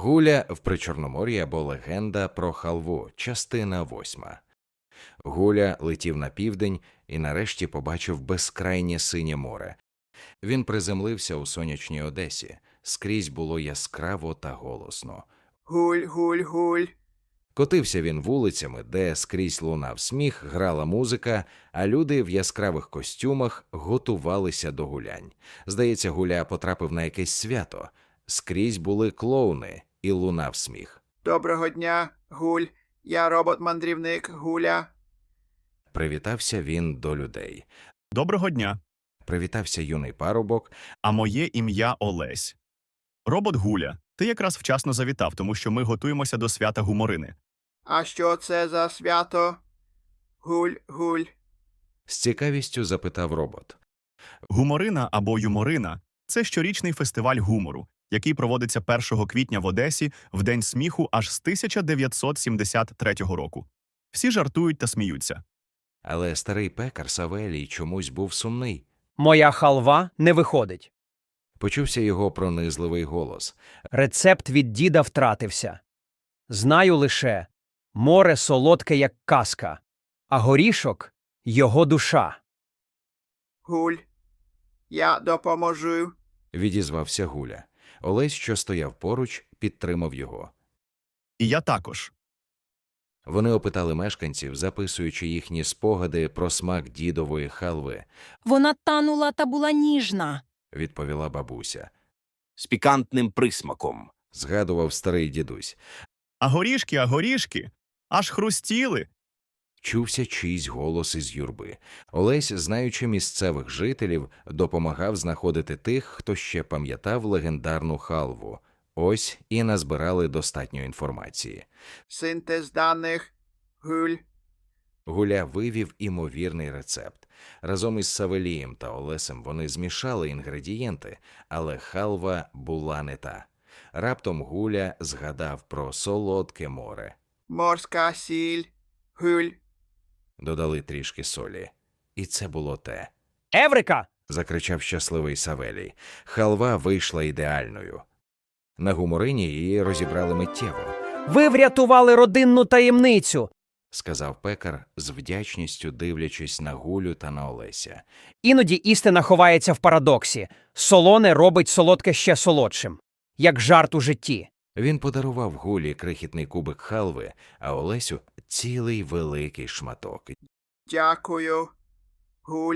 Гуля в Причорномор'ї або легенда про халву, частина 8. Гуля летів на південь і нарешті побачив безкрайнє синє море. Він приземлився у сонячній Одесі. Скрізь було яскраво та голосно. Гуль, гуль, гуль. Котився він вулицями, де скрізь лунав сміх, грала музика, а люди в яскравих костюмах готувалися до гулянь. Здається, Гуля потрапив на якесь свято. Скрізь були клоуни і лунав сміх. Доброго дня, Гуль. Я робот-мандрівник Гуля. Привітався він до людей. Доброго дня. Привітався юний парубок. А моє ім'я Олесь. Робот Гуля, ти якраз вчасно завітав, тому що ми готуємося до свята Гуморини. А що це за свято? Гуль, гуль. З цікавістю запитав робот. Гуморина або Юморина – це щорічний фестиваль гумору, який проводиться 1 квітня в Одесі в День сміху аж з 1973 року. Всі жартують та сміються. Але старий пекар Савелій чомусь був сумний. Моя халва не виходить. Почувся його пронизливий голос. Рецепт від діда втратився. Знаю лише, море солодке, як казка, а горішок – його душа. Гуль. Я допоможу. Відізвався Гуля. Олесь, що стояв поруч, підтримав його. І я також. Вони опитали мешканців, записуючи їхні спогади про смак дідової халви, Вона танула та була ніжна. відповіла бабуся. З пікантним присмаком. Згадував старий дідусь. А горішки, аж хрустіли. Чувся чийсь голос із юрби. Олесь, знаючи місцевих жителів, допомагав знаходити тих, хто ще пам'ятав легендарну халву. Ось і назбирали достатньо інформації. Синтез даних. Гуль. Гуля вивів імовірний рецепт. Разом із Савелієм та Олесем вони змішали інгредієнти, але халва була не та. Раптом Гуля згадав про солодке море. Морська сіль. Гуль. Додали трішки солі. І це було те. Еврика! Закричав щасливий Савелій. Халва вийшла ідеальною. На Гуморині її розібрали миттєво, Ви врятували родинну таємницю! сказав пекар з вдячністю, дивлячись на Гулю та на Олеся. Іноді істина ховається в парадоксі. Солоне робить солодке ще солодшим. Як жарт у житті. Він подарував Гулі крихітний кубик халви, а Олесю – цілий великий шматок. Дякую. Гуль.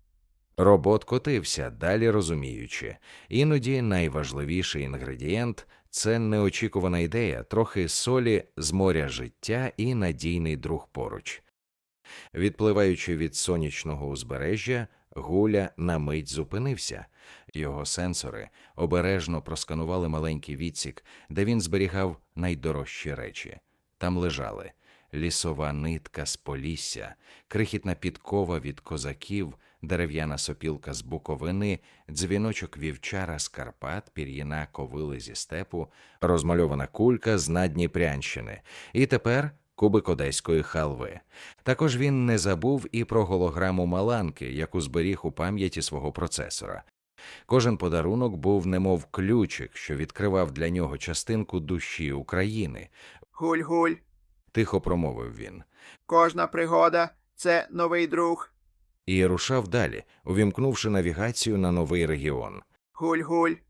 Робот котився, далі розуміючи. Іноді найважливіший інгредієнт – це неочікувана ідея, трохи солі з моря життя і надійний друг поруч. Відпливаючи від сонячного узбережжя, Гуля на мить зупинився. Його сенсори обережно просканували маленький відсік, де він зберігав найдорожчі речі. Там лежали лісова нитка з Полісся, крихітна підкова від козаків, дерев'яна сопілка з Буковини, дзвіночок вівчара з Карпат, пір'їна ковили зі степу, розмальована кулька з Надніпрянщини. І тепер кубик одеської халви. Також він не забув і про голограму Маланки, яку зберіг у пам'яті свого процесора. Кожен подарунок був немов ключик, що відкривав для нього частинку душі України. Гуль, гуль. Тихо промовив він. Кожна пригода – це новий друг. І рушав далі, увімкнувши навігацію на новий регіон. Гуль, гуль.